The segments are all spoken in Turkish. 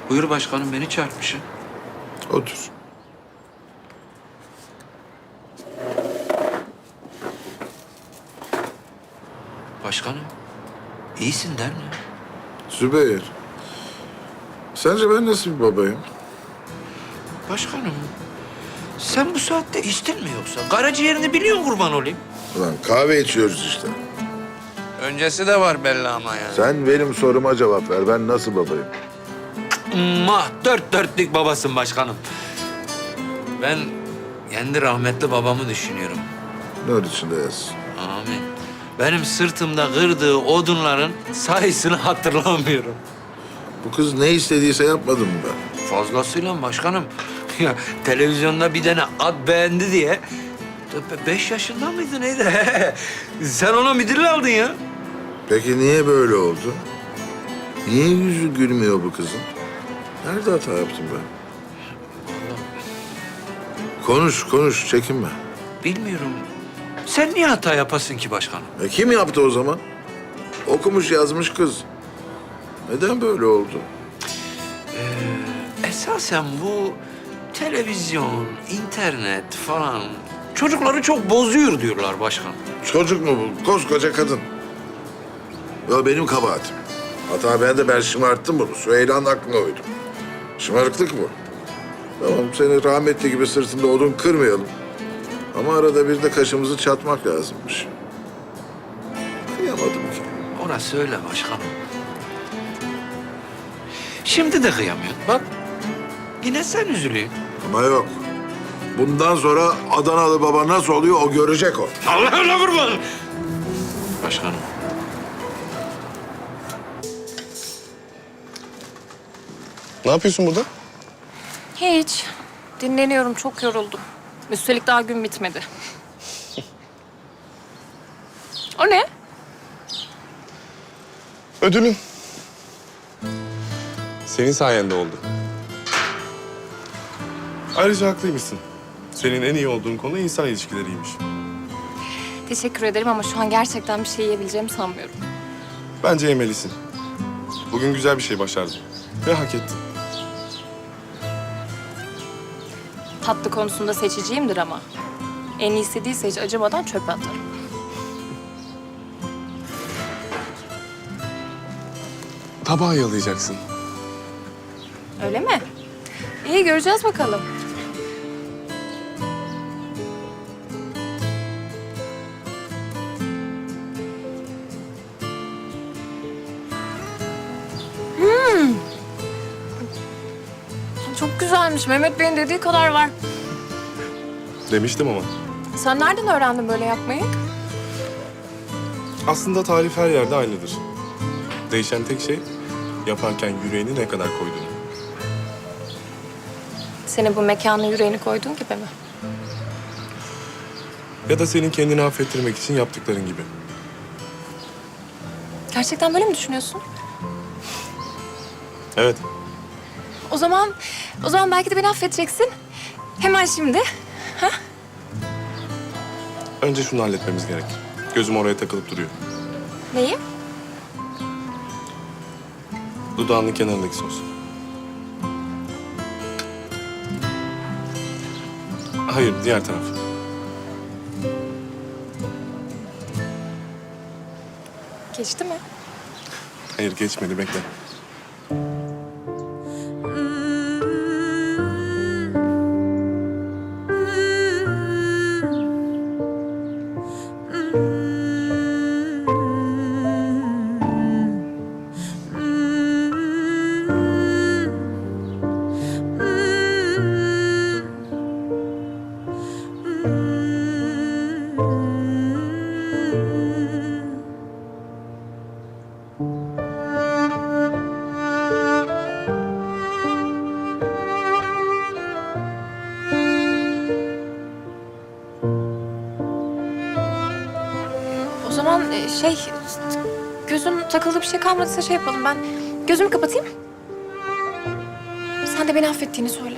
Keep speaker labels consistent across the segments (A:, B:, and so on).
A: Buyur başkanım, beni çarpmışsın.
B: Otur.
A: Başkanım, iyisin der mi?
B: Zübeyir. Sence ben nasıl bir babayım?
A: Başkanım, sen bu saatte içtin mi yoksa? Karaciğerini biliyorsun, kurban olayım.
B: Ulan kahve içiyoruz işte.
A: Öncesi de var belli ama yani.
B: Sen benim soruma cevap ver. Ben nasıl babayım?
A: Dört dörtlük babasın başkanım. Ben kendi rahmetli babamı düşünüyorum.
B: Nur içinde yatsın.
A: Amin. Benim sırtımda kırdığı odunların sayısını hatırlamıyorum.
B: Bu kız ne istediyse yapmadım mı ben?
A: Fazlasıyla başkanım. Ya televizyonda bir tane at beğendi diye 5 yaşında mıydı neydi? Sen ona midilli aldın ya.
B: Peki niye böyle oldu? Niye yüzü gülmüyor bu kızın? Nerede hata yaptım ben? Konuş, çekinme.
A: Bilmiyorum. Sen niye hata yapasın ki başkanım?
B: Kim yaptı o zaman? Okumuş yazmış kız. Neden böyle oldu?
A: Esasen bu televizyon, internet falan çocukları çok bozuyor diyorlar başkanım.
B: Çocuk mu bu? Koskoca kadın. Ya benim kabahatim. Hata ben de ben şımarttım bunu. Süheyla'nın aklına uydum. Şımarıklık bu. Tamam seni rahmetli gibi sırtında odun kırmayalım. Ama arada bir de kaşımızı çatmak lazımmış. Kıyamadım ki.
A: Orası öyle başkanım. Şimdi de kıyamıyorsun. Bak yine sen üzülüyorsun.
B: Ama yok. Bundan sonra Adanalı baba nasıl oluyor o görecek o.
A: Allah'ına kurban. Başkanım.
C: Ne yapıyorsun burada?
D: Hiç. Dinleniyorum, çok yoruldum. Üstelik daha gün bitmedi. O ne?
C: Ödülün. Senin sayende oldu. Ayrıca haklıymışsın. Senin en iyi olduğun konu insan ilişkileriymiş.
D: Teşekkür ederim ama şu an gerçekten bir şey yiyebileceğimi sanmıyorum.
C: Bence yemelisin. Bugün güzel bir şey başardın. Ve hak ettin.
D: Tatlı konusunda seçiciyimdir ama. En iyisi değilse hiç acımadan çöpe atarım.
C: Tabağı yalayacaksın.
D: Öyle mi? İyi, göreceğiz bakalım. Çok güzelmiş. Mehmet Bey'in dediği kadar var.
C: Demiştim ama.
D: Sen nereden öğrendin böyle yapmayı?
C: Aslında tarif her yerde aynıdır. Değişen tek şey yaparken yüreğini ne kadar koyduğunu.
D: Senin bu mekana yüreğini koyduğun gibi mi?
C: Ya da senin kendini affettirmek için yaptıkların gibi.
D: Gerçekten böyle mi düşünüyorsun?
C: Evet.
D: O zaman belki de beni affedeceksin. Hemen şimdi. Ha?
C: Önce şunu halletmemiz gerek. Gözüm oraya takılıp duruyor.
D: Neyi?
C: Dudağının kenarındaki sos. Hayır, diğer taraf.
D: Geçti mi?
C: Hayır, geçmedi. Bekle.
D: O zaman gözün takıldığı bir şey kalmadıysa şey yapalım. Ben gözümü kapatayım. Sen de beni affettiğini söyle.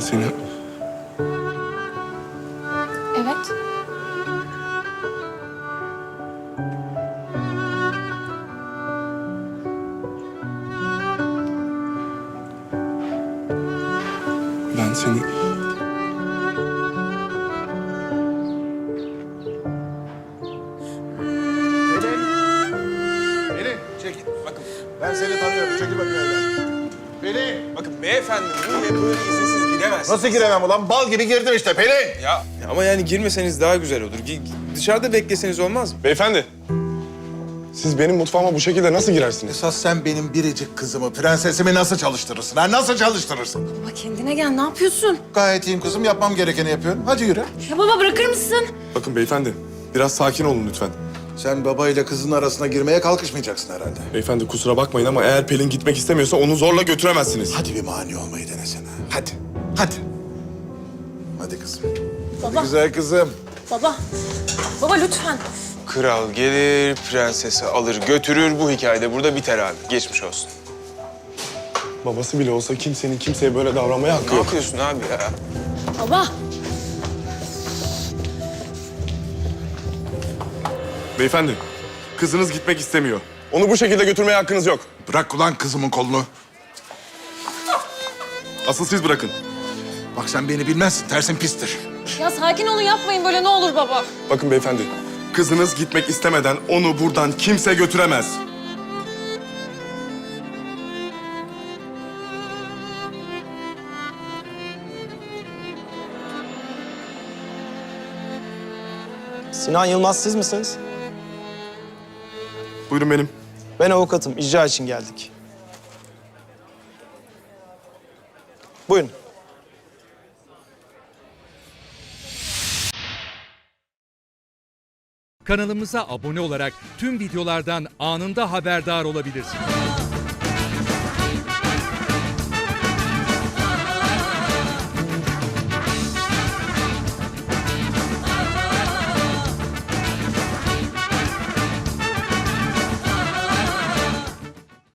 C: seni...
D: Evet.
C: Ben seni...
B: Pelin, çekil. Bakın, ben seni tanıyorum. Çekil bakayım evden. Pelin!
E: Bakın beyefendi buraya böyle izinsiz giremezsiniz.
B: Nasıl giremem ulan? Bal gibi girdim işte Pelin!
E: Ya ama yani girmeseniz daha güzel olur. Dışarıda bekleseniz olmaz mı?
C: Beyefendi, siz benim mutfağıma bu şekilde nasıl girersiniz?
B: Esas sen benim biricik kızımı, prensesimi nasıl çalıştırırsın? Ha? Nasıl çalıştırırsın?
D: Baba kendine gel, ne yapıyorsun?
B: Gayet iyiyim kızım. Yapmam gerekeni yapıyorum. Hadi yürü.
D: Ya baba bırakır mısın?
C: Bakın beyefendi, biraz sakin olun lütfen.
B: Sen babayla kızın arasına girmeye kalkışmayacaksın herhalde.
C: Beyefendi kusura bakmayın ama eğer Pelin gitmek istemiyorsa onu zorla götüremezsiniz.
B: Hadi bir mani olmayı denesene. Hadi. Hadi. Hadi kızım. Hadi
D: Baba.
B: güzel kızım.
D: Baba. Baba lütfen.
E: Kral gelir, prensesi alır götürür. Bu hikayede burada biter abi. Geçmiş olsun.
C: Babası bile olsa kimsenin kimseye böyle davranmaya hakkı
E: Ne
C: yok.
E: yapıyorsun abi ya?
D: Baba.
C: Beyefendi, kızınız gitmek istemiyor. Onu bu şekilde götürmeye hakkınız yok.
B: Bırak ulan kızımın kolunu.
C: Asıl siz bırakın.
B: Bak sen beni bilmezsin. Tersin pistir.
D: Ya sakin olun, yapmayın böyle, ne olur baba.
C: Bakın beyefendi, kızınız gitmek istemeden onu buradan kimse götüremez.
F: Sinan Yılmaz siz misiniz?
C: Buyurun benim.
F: Ben avukatım. İcra için geldik. Buyurun.
G: Kanalımıza abone olarak tüm videolardan anında haberdar olabilirsiniz.